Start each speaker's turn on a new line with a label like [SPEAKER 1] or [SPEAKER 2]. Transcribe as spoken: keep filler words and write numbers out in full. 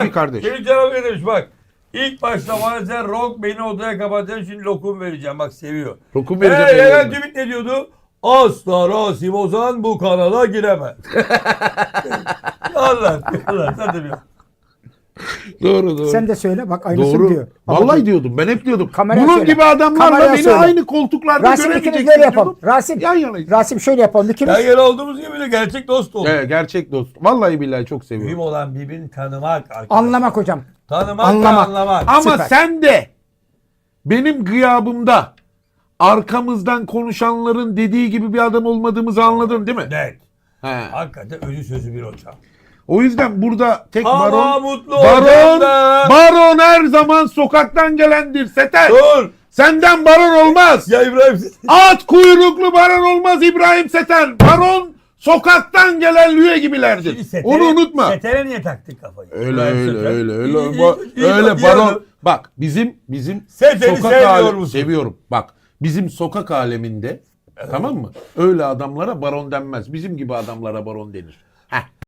[SPEAKER 1] kardeş.
[SPEAKER 2] Senin canım ne demiş bak. İlk başta bana sen Rock beni odaya kapatacaksın şimdi lokum vereceğim. Bak seviyor.
[SPEAKER 1] Lokum
[SPEAKER 2] Eee
[SPEAKER 1] vereceğim.
[SPEAKER 2] Levent Ümit ne diyordu? Asla Rasim Ozan bu kanala giremez. Allah Allah sen de biliyorsun.
[SPEAKER 1] Doğru doğru.
[SPEAKER 3] Sen de söyle bak aynısını
[SPEAKER 1] Doğru.
[SPEAKER 3] diyor.
[SPEAKER 1] Vallahi
[SPEAKER 3] Ama
[SPEAKER 1] diyordum. Ben hep diyordum.
[SPEAKER 3] Kameraya
[SPEAKER 1] Bunun
[SPEAKER 3] söyle.
[SPEAKER 1] gibi adamlarla
[SPEAKER 3] Kameraya
[SPEAKER 1] beni
[SPEAKER 3] söyle.
[SPEAKER 1] aynı koltuklarda
[SPEAKER 3] Rasim ikimiz
[SPEAKER 1] göremeyeceksin
[SPEAKER 3] böyle yapalım.
[SPEAKER 1] diyordum.
[SPEAKER 3] Rasim,
[SPEAKER 1] Yan yanayız.
[SPEAKER 3] Rasim şöyle yapalım. İkimiz.
[SPEAKER 2] Yan yana olduğumuz gibi de gerçek dost olduk.
[SPEAKER 1] Evet, gerçek dost. Vallahi billahi çok
[SPEAKER 2] Mühim
[SPEAKER 1] seviyorum.
[SPEAKER 2] olan birbirini tanımak arkadaşlar.
[SPEAKER 3] Anlamak hocam.
[SPEAKER 2] Tanımak
[SPEAKER 3] Anlamak.
[SPEAKER 2] ve anlamak.
[SPEAKER 1] Ama
[SPEAKER 3] Süper.
[SPEAKER 1] sen de benim gıyabımda arkamızdan konuşanların dediği gibi bir adam olmadığımızı anladın değil mi?
[SPEAKER 2] Net.
[SPEAKER 1] He.
[SPEAKER 2] Hakikaten özü sözü bir hocam.
[SPEAKER 1] O yüzden burada tek
[SPEAKER 2] Ama
[SPEAKER 1] baron
[SPEAKER 2] mutlu
[SPEAKER 1] baron
[SPEAKER 2] hocam da.
[SPEAKER 1] baron her zaman sokaktan gelendir Seter.
[SPEAKER 2] Dur.
[SPEAKER 1] Senden baron olmaz.
[SPEAKER 2] Ya İbrahim.
[SPEAKER 1] At kuyruklu baron olmaz İbrahim Seter. Baron sokaktan gelen lüye gibilerdir.
[SPEAKER 2] Şimdi Seter'e-
[SPEAKER 1] Onu unutma.
[SPEAKER 2] Seter'e niye taktık kafayı?
[SPEAKER 1] Öyle
[SPEAKER 2] İbrahim
[SPEAKER 1] öyle
[SPEAKER 2] Seter.
[SPEAKER 1] öyle öyle.
[SPEAKER 2] İyi, iyi,
[SPEAKER 1] Ba-
[SPEAKER 2] iyi,
[SPEAKER 1] öyle
[SPEAKER 2] iyi
[SPEAKER 1] baron.
[SPEAKER 2] adam.
[SPEAKER 1] Bak bizim bizim
[SPEAKER 2] Seter'i
[SPEAKER 1] sokak
[SPEAKER 2] sevmiyor
[SPEAKER 1] alemi-
[SPEAKER 2] musun?
[SPEAKER 1] seviyorum. Bak bizim sokak aleminde tamam mı? Öyle adamlara baron denmez. Bizim gibi adamlara baron denir. Heh.